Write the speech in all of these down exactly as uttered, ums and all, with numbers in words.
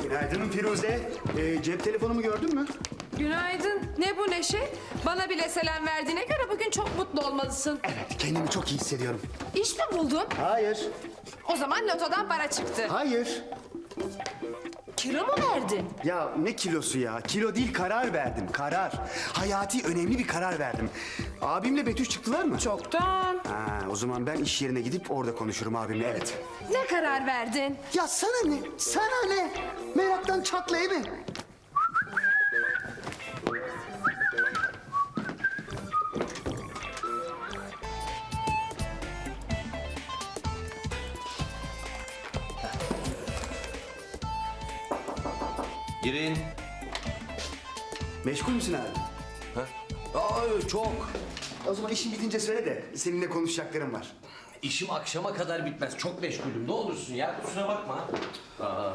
Günaydın Firuze. Ee, cep telefonumu gördün mü? Günaydın. Ne bu neşe? Bana bile selam verdiğine göre bugün çok mutlu olmalısın. Evet, kendimi çok iyi hissediyorum. İş mi buldun? Hayır, O zaman lotodan para çıktı. hayır. Kilo mu verdin? Ya ne kilosu ya? Kilo değil, karar verdim, karar. Hayati önemli bir karar verdim. Abimle Betüş çıktılar mı? Çoktan. Ha, o zaman ben iş yerine gidip orada konuşurum abimle, evet. Ne karar verdin? Ya sana ne? Sana ne? Meraktan çatlayı mı? Girin. Meşgul müsün abi? Ha? Aa, çok. O zaman işin bitince söyle de seninle konuşacaklarım var. İşim akşama kadar bitmez. Çok meşgulüm. Ne olursun ya. Kusura bakma. Aa.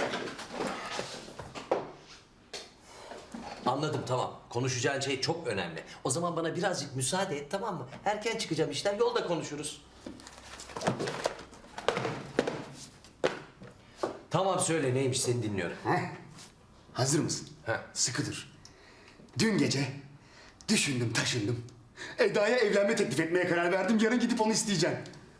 Anladım, tamam. Konuşacağın şey çok önemli. O zaman bana birazcık müsaade et, tamam mı? Erken çıkacağım işten. Yolda konuşuruz. Tamam, söyle neymiş, seni dinliyorum. Heh. Hazır mısın? Heh. Sıkı dur. Dün gece düşündüm taşındım. Eda'ya evlenme teklif etmeye karar verdim. Yarın gidip onu isteyeceğim.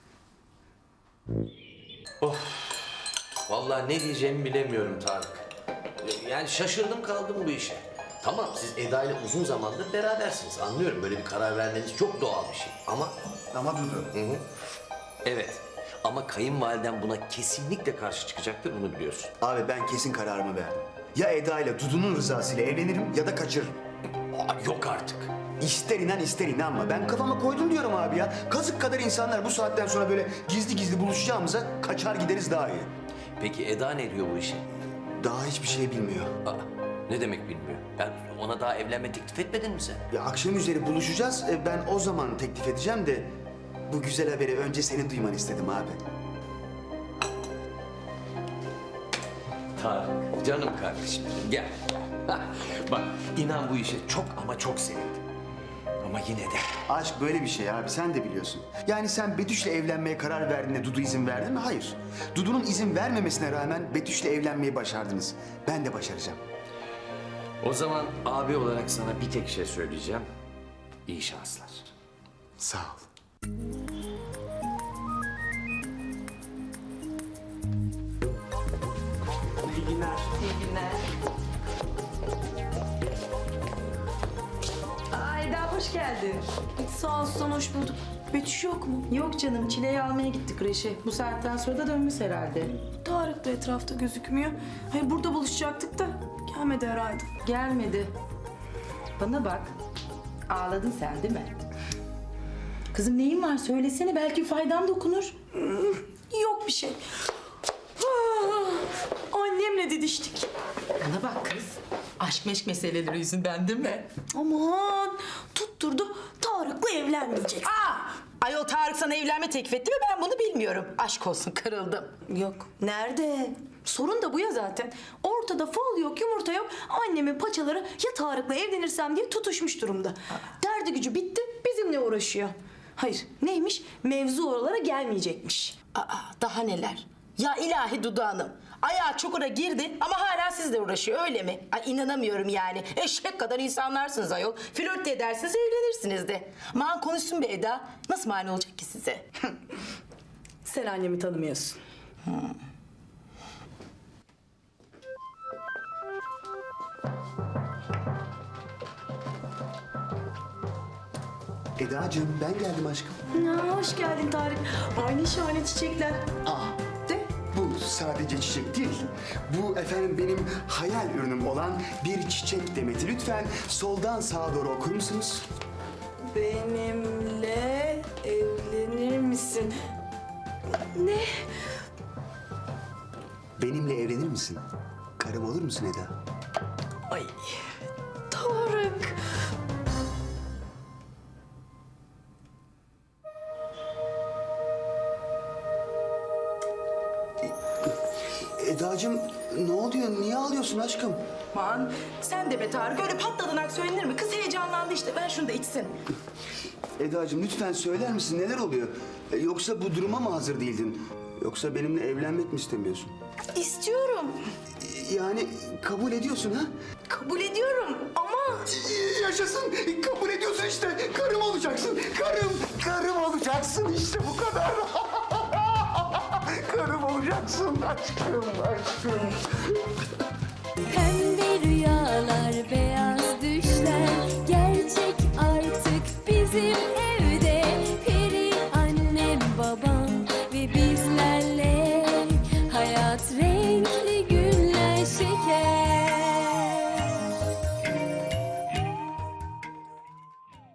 Vallahi ne diyeceğimi bilemiyorum Tarık. Yani şaşırdım kaldım bu işe. Tamam, siz Eda ile uzun zamandır berabersiniz. Anlıyorum, böyle bir karar vermeniz çok doğal bir şey. Ama Ama Dudu. evet, ama kayınvaliden buna kesinlikle karşı çıkacaktır, bunu biliyorsun. Abi ben kesin kararımı verdim. Ya Eda ile Dudu'nun rızasıyla evlenirim ya da kaçırırım. Aa, yok artık. İster inan ister inanma. Ben kafama koydum diyorum abi ya. Kazık kadar insanlar bu saatten sonra böyle gizli gizli buluşacağımıza kaçar gideriz daha iyi. Peki Eda ne diyor bu işe? Daha hiçbir şey bilmiyor. Aa, ne demek bilmiyor? Yani ona daha evlenme teklif etmedin mi sen? Ya akşam üzeri buluşacağız. E, Ben o zaman teklif edeceğim de bu güzel haberi önce senin duymanı istedim abi. Tarık, canım kardeşim benim, gel. Bak, inan bu işe çok ama çok sevindim. Ama yine de Aşk böyle bir şey abi, sen de biliyorsun. Yani sen Betüş'le evlenmeye karar verdiğinde Dudu izin verdi mi? Hayır. Dudu'nun izin vermemesine rağmen Betüş'le evlenmeyi başardınız. Ben de başaracağım. o zaman abi olarak sana bir tek şey söyleyeceğim. İyi şanslar. Sağ ol. İyi günler. İyi günler. Aa, Eda hoş geldin. Sağ olsun, hoş bulduk. Betüş yok mu? Yok canım, Çile'yi almaya gittik Reşe. Bu saatten sonra da dönmüş herhalde. Tarık da etrafta gözükmüyor. Hayır, burada buluşacaktık da gelmedi herhalde. Gelmedi. Bana bak, ağladın sen değil mi? Kızım neyin var söylesene, belki faydan dokunur. Yok bir şey. Annemle didiştik. Bana bak kız, aşk meşk meseleleri yüzünden değil mi? Aman tutturdu Tarık'la evlenmeyecek. Aa! Ayol Tarık sana evlenme teklif etti mi, ben bunu bilmiyorum. Aşk olsun, kırıldım. Yok nerede? Sorun da bu ya zaten. Ortada fol yok, yumurta yok. Annemin paçaları ya Tarık'la evlenirsem diye tutuşmuş durumda. Derdi gücü bitti, bizimle uğraşıyor. Hayır, neymiş? Mevzu oralara gelmeyecekmiş. Aa, daha neler? Ya ilahi Dudu Hanım. Ayağı çukura girdi ama hala sizle uğraşıyor, öyle mi? Ay inanamıyorum yani. Eşek kadar insanlarsınız ayol. Flört de edersiniz, evlenirsiniz de. Aman konuşsun be Eda. Nasıl mani olacak ki size? Sen annemi tanımıyorsun. Eda'cığım ben geldim aşkım. Ya, hoş geldin Tarık. Aynı şahane çiçekler. Aa, De. bu sadece çiçek değil. Bu efendim benim hayal ürünüm olan bir çiçek demeti. Lütfen soldan sağa doğru okur musunuz? Benimle evlenir misin? Ne? Benimle evlenir misin? Karım olur musun Eda? Ay Tarık. Eda'cığım ne oluyor? Niye ağlıyorsun aşkım? Aman sen de be Tarık, öyle patladanak söylenir mi? Kız heyecanlandı işte, ver şunu da içsin. Eda'cığım lütfen söyler misin neler oluyor? E, Yoksa bu duruma mı hazır değildin? Yoksa benimle evlenmek mi istemiyorsun? İstiyorum. E, Yani kabul ediyorsun ha? Kabul ediyorum ama... Yaşasın. Kabul ediyorsun işte. Karım olacaksın. Karım. Karım olacaksın işte bu kadar. Karım olacaksın aşkım aşkım.